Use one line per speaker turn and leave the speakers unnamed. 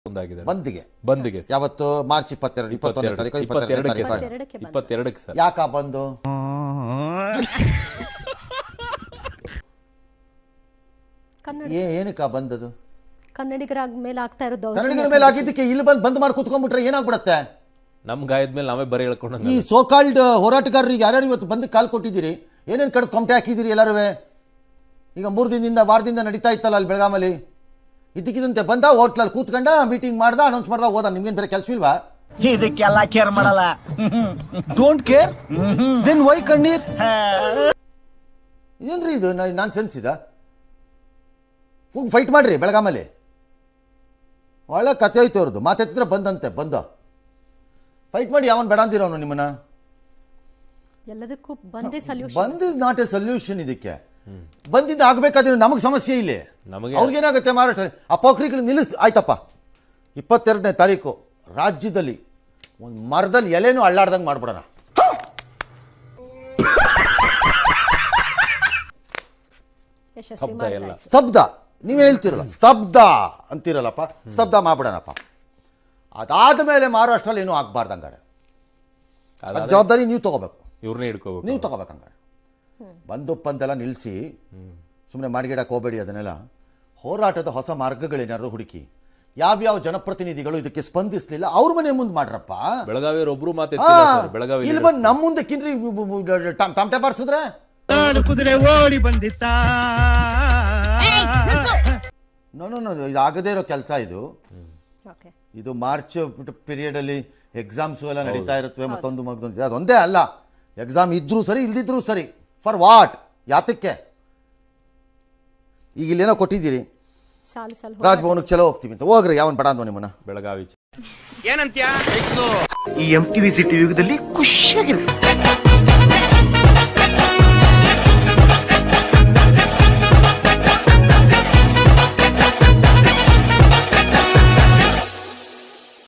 ಬಂದ್ಗೆ ಯಾವತ್ತು ಮಾರ್ಚ್ 22 ತಾರೀಕು
22ಕ್ಕೆ ಸರ್.
ಯಾಕ ಬಂದು ಏನಕ್ಕ ಬಂದದು?
ಕನ್ನಡಿಗರ ಮೇಲೆ ಆಗ್ತಾ ಇರೋದು
ಕನ್ನಡಿಗರ ಮೇಲೆ ಆಗಿದ್ದಕ್ಕೆ ಇಲ್ಲಿ ಬಂದ್ ಮಾಡಿ ಕುತ್ಕೊಂಡ್ಬಿಟ್ರೆ ಏನಾಗ್ಬಿಡತ್ತೆ?
ನಮ್ ಗಾಯದ ಮೇಲೆ ನಾವೇ ಬರೀ ಹೇಳ್ಕೊಂಡು
ಈ ಸೋಕಾಲ್ಡ್ ಹೋರಾಟಗಾರರಿಗೆ ಯಾರ್ಯಾರು ಇವತ್ತು ಬಂದು ಕಾಲ್ ಕೊಟ್ಟಿದ್ದೀರಿ, ಏನೇನು ಕಡೆ ಕೊಮಟೆ ಹಾಕಿದ್ದೀರಿ ಎಲ್ಲರೂ? ಈಗ 3 ದಿನದಿಂದ ವಾರದಿಂದ ನಡೀತಾ ಇತ್ತಲ್ಲ ಅಲ್ಲಿ ಬೆಳಗಾಮಲ್ಲಿ, ಇದ್ದಕ್ಕಿದ್ದಂತೆ ಬಂದ ಹೋಟ್ಲಲ್ಲಿ ಕೂತ್ಕೊಂಡ ಮೀಟಿಂಗ್ ಮಾಡ್ದ ಅನೌನ್ಸ್ ಮಾಡ್ದ ಹೋದ. ನಿಮ್ಗೇನು ಬೇರೆ ಕೆಲಸ ಇಲ್ವಾ?
ಇದಕ್ಕೆಲ್ಲ ಕೇರ್ ಮಾಡಲ್ಲ.
ಡೋಂಟ್ ಕೇರ್ ದೆನ್ ವೈ ಕಣ್ಣೀರ್?
ಇದೇನ್ರಿ ಇದು ನಾನ್ ಸೆನ್ಸ್ ಇದ? ಫೈಟ್ ಮಾಡ್ರಿ ಬೆಳಗಾಮಲ್ಲಿ, ಒಳ್ಳೆ ಕತೆ ಐತೆ ಅವ್ರದ್ದು. ಮಾತೆತ್ತಿದ್ರೆ ಬಂದಂತೆ ಬಂದ ಫೈಟ್ ಮಾಡಿ. ಯಾವನ್ ಬೇಡ ಅಂದಿರೋನು ನಿಮ್ಮನ್ನ?
ಎಲ್ಲದಕ್ಕೂ ಬಂದೇ ಸೊಲ್ಯೂಷನ್.
ಬಂದ್ ಇಸ್ ನಾಟ್ ಎ ಸೊಲ್ಯೂಷನ್. ಇದಕ್ಕೆ ಬಂದಿದ್ದು ಆಗ್ಬೇಕಾದ್ರೆ ನಮಗೆ ಸಮಸ್ಯೆ ಇಲ್ಲಿ. ಅವ್ರಿಗೇನಾಗುತ್ತೆ ಮಹಾರಾಷ್ಟ್ರ ಆ ಪೋಖ್ರಿಗಳು ಆಯ್ತಪ್ಪ 22ನೇ ತಾರೀಕು ರಾಜ್ಯದಲ್ಲಿ ಒಂದು ಮರದಲ್ಲಿ ಎಲೆನೂ ಅಳ್ಳಾಡ್ದಂಗೆ ಮಾಡ್ಬಿಡೋಣ. ಸ್ತಬ್ಧ ನೀವ್ ಹೇಳ್ತಿರಲ್ಲ, ಸ್ತಬ್ಧ ಅಂತಿರಲ್ಲಪ್ಪ, ಸ್ತಬ್ಧ ಮಾಡ್ಬಿಡೋಣಪ್ಪ. ಅದಾದ ಮೇಲೆ ಮಹಾರಾಷ್ಟ್ರಲ್ಲಿ ಏನೂ ಆಗ್ಬಾರ್ದಂಗಾರೆ ಜವಾಬ್ದಾರಿ ನೀವು ತಗೋಬೇಕು,
ಇವ್ರನ್ನೇ ಹಿಡ್ಕೋಬೇಕು,
ನೀವು ತಗೋಬೇಕಂಗಾರೆ. ಬಂದೊಪ್ಪಂತೆಲ್ಲ ನಿಲ್ಲಿಸಿ ಸುಮ್ಮನೆ ಮಾಡಿಗಿಡಕ್ಕೆ ಹೋಗಬೇಡಿ. ಅದನ್ನೆಲ್ಲ ಹೋರಾಟದ ಹೊಸ ಮಾರ್ಗಗಳೇನಾದ್ರು ಹುಡುಕಿ. ಯಾವ್ಯಾವ ಜನಪ್ರತಿನಿಧಿಗಳು ಇದಕ್ಕೆ ಸ್ಪಂದಿಸಲಿಲ್ಲ ಅವ್ರ ಮನೆ ಮುಂದೆ ಮಾಡ್ರಪ್ಪ.
ಬೆಳಗಾವಿಯವರು ಒಬ್ರು ಬೆಳಗಾವಿ
ಇಲ್ಲಿ ಬಂದು ನಮ್ಮ ಮುಂದೆ ಕಿನ್ರಿ ತಮಟೆ ಬಾರಿಸಿದ್ರೆ
ಕುದುರೆ ಓಡಿ ಬಂದಿತ್ತ.
ನೋ ಇದು ಆಗದೇ ಇರೋ ಕೆಲಸ ಇದು. ಇದು ಮಾರ್ಚ್ ಪೀರಿಯಡ್ ಅಲ್ಲಿ ಎಕ್ಸಾಮ್ಸ್ ಎಲ್ಲ ನಡೀತಾ ಇರುತ್ತವೆ. ಮತ್ತೊಂದು ಅದೊಂದೇ ಅಲ್ಲ, ಎಕ್ಸಾಮ್ ಇದ್ರೂ ಸರಿ ಇಲ್ದಿದ್ರೂ ಸರಿ. For what? ಯಾತಕ್ಕೆ? ಈಗ ಇಲ್ಲೇನೋ ಕೊಟ್ಟಿದ್ದೀರಿ ರಾಜಭವನಕ್ಕೆ ಚಲೋ ಹೋಗ್ತೀವಿ ಅಂತ. ಹೋಗ್ರಿ, ಯಾವನ್ ಬೇಡ ಅಂದೋ ನಿಮ್ಮನ್ನ.
ಬೆಳಗಾವಿ
ಏನಂತ್ಯ? ಈ MTV ಸಿಟಿ ಯುಗದಲ್ಲಿ ಖುಷಿಯಾಗಿರುತ್ತೆ.